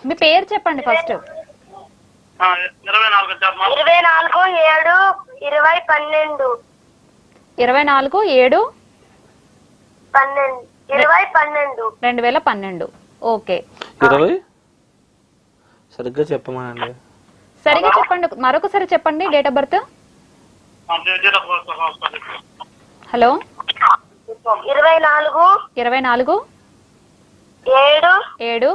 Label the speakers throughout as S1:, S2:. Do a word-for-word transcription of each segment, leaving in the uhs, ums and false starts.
S1: మీ పేరు చెప్పండి ఫస్ట్.
S2: ఇరవై నాలుగు
S3: ఇరవై నాలుగు ఏడు ఇరవై పన్నెండు
S1: ఇరవై నాలుగు ఏడు
S3: పన్నెండు ఇరవై పన్నెండు
S1: రెండు వేల పన్నెండు. ఓకే,
S4: ఇరవై సరిగ్గా చెప్పమానండి.
S1: సరిగ్గా చెప్పండి, మరొకసారి చెప్పండి డేట్ ఆఫ్ బర్త్. హలో,
S3: ఇరవై నాలుగు
S1: ఇరవై నాలుగు
S3: ఏడు
S1: ఏడు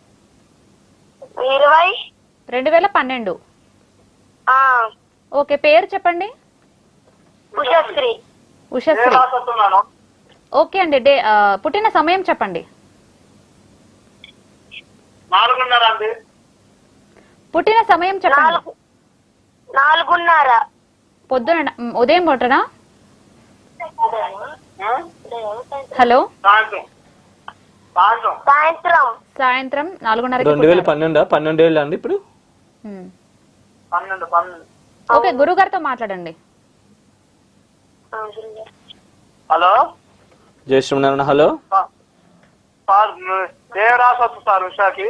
S3: ఇరవై
S1: రెండు వేల పన్నెండు.
S3: ఆ
S1: ఓకే, పేరు చెప్పండి.
S3: ఉషశ్రీ.
S1: ఉషశ్రీ. ఓకే అండి, డే ఆ, పుట్టిన సమయం చెప్పండి.
S2: నాలుగున్నర అండి.
S1: పుట్టిన సమయం చెప్పండి.
S3: నాలుగు నాలుగున్నర
S1: పొద్దున మ్, ఉదయం పూటనా? హలో,
S2: సాయంత్రం సాయంత్రం
S3: సాయంత్రం
S1: సాయంత్రం నాలుగున్నర.
S4: రెండు వేల పన్నెండా పన్నెండు ఏళ్ళు అండి ఇప్పుడు.
S2: పన్నెండు పన్నెండు
S1: ఓకే, గురువు గారితో మాట్లాడండి.
S2: హలో
S4: జై శ్రీమన్నారాయణ. హలో
S2: సార్, ఏ రాసి వస్తుంది సార్ ఉషాకి?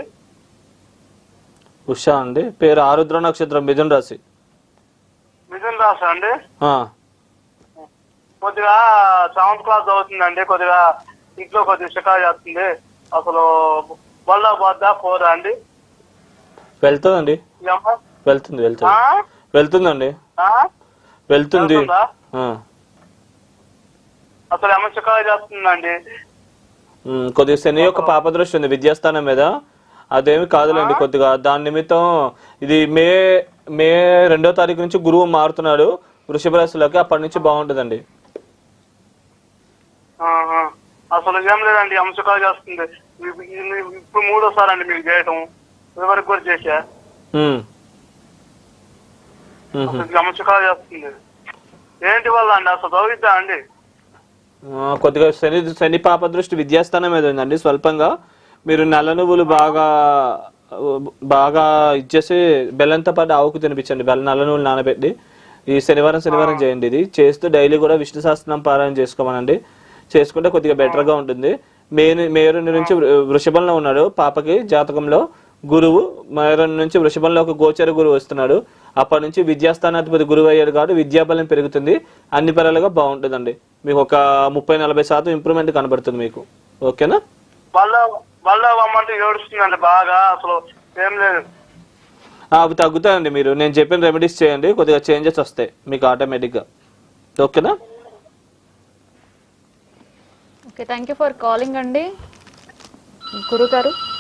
S4: ఉషా అండి, పేరు ఆరుద్ర నక్షత్రం, మిథున రాశి.
S2: మిథున్ రాశి అండి.
S4: ఆ,
S2: కొద్దిగా సెవెంత్ క్లాస్ చదువుతుందండి. కొద్దిగా ఇంట్లో కొద్దిగా షికారు చేస్తుంది. అసలు వల్ల పోద్దా పోదా అండి?
S4: వెళ్తుందండి,
S2: ఈ అమ్మాయి?
S4: వెళ్తుంది వెళ్తుంది
S2: ఆ?
S4: వెళ్తుందండి,
S2: ఆ?
S4: వెళ్తుంది.
S2: వెళ్తుందా?
S4: ఆ,
S2: అసలు ఏమో షికారు చేస్తుందండి.
S4: ఉమ్, కొద్దిగా శని యొక్క పాపదృష్టి ఉంది విద్యాస్థానం మీద. అదేమి కాదులేండి, కొద్దిగా దాని నిమిత్తం ఇది మే మే రెండో తారీఖు నుంచి గురువు మారుతున్నాడు వృషభ రాశిలోకి, అప్పటి నుంచి బాగుంటుందండి.
S2: ఆహా. అసలు ఏం లేదండి, అంశకాలు చేస్తుంది. ఇప్పు- ఇప్పు- ఇప్పుడు మూడోసారి అండి మీకు చేయటం. ఇదివరకు కూడా చేశా.
S4: ఉమ్, ఉహు.
S2: అసలు అంశకాలు చేస్తుంది. ఏంటి వల్ల అండి? అసలు చదువుద్దా అండి?
S4: ఆ, కొద్దిగా శని శని పాప దృష్టి విద్యాస్థానం మీద ఉందండి స్వల్పంగా. మీరు నల్ల నువ్వులు బాగా బాగా ఇచ్చేసి బెల్లంతో పాటు ఆవుకు తినిపించండి. బెల్లం నల్ల నువ్వులు నానబెట్టి ఈ శనివారం శనివారం చేయండి. ఇది చేస్తూ డైలీ కూడా విష్ణు సహస్రనామం పారాయణ చేసుకోమనండి. చేసుకుంటే కొద్దిగా బెటర్ గా ఉంటుంది. మే మే రెండు నుంచి వృషభంలో ఉన్నాడు పాపకి జాతకంలో గురువు. మే రెండు నుంచి వృషభంలో ఒక గోచర గురువు వస్తున్నాడు. అప్పటి నుంచి విద్యాస్థానాధిపతి గురువు అయ్యాడు కాబట్టి విద్యాబలం పెరుగుతుంది. అన్ని పరాలుగా బాగుంటుందండి. మీకు ఒక ముప్పై నలభై శాతం ఇంప్రూవ్మెంట్ కనబడుతుంది మీకు. ఓకేనా?
S2: వాళ్ళ వాళ్ళ అమ్మంటే ఏడుస్తుందండి బాగా. అసలు ఏం లేదు.
S4: అవి తగ్గుతాయండి. మీరు నేను చెప్పిన రెమెడీస్ చేయండి, కొద్దిగా చేంజెస్ వస్తాయి మీకు ఆటోమేటిక్గా. ఓకేనా?
S1: Okay, thank you for calling అండి గురువు గారు.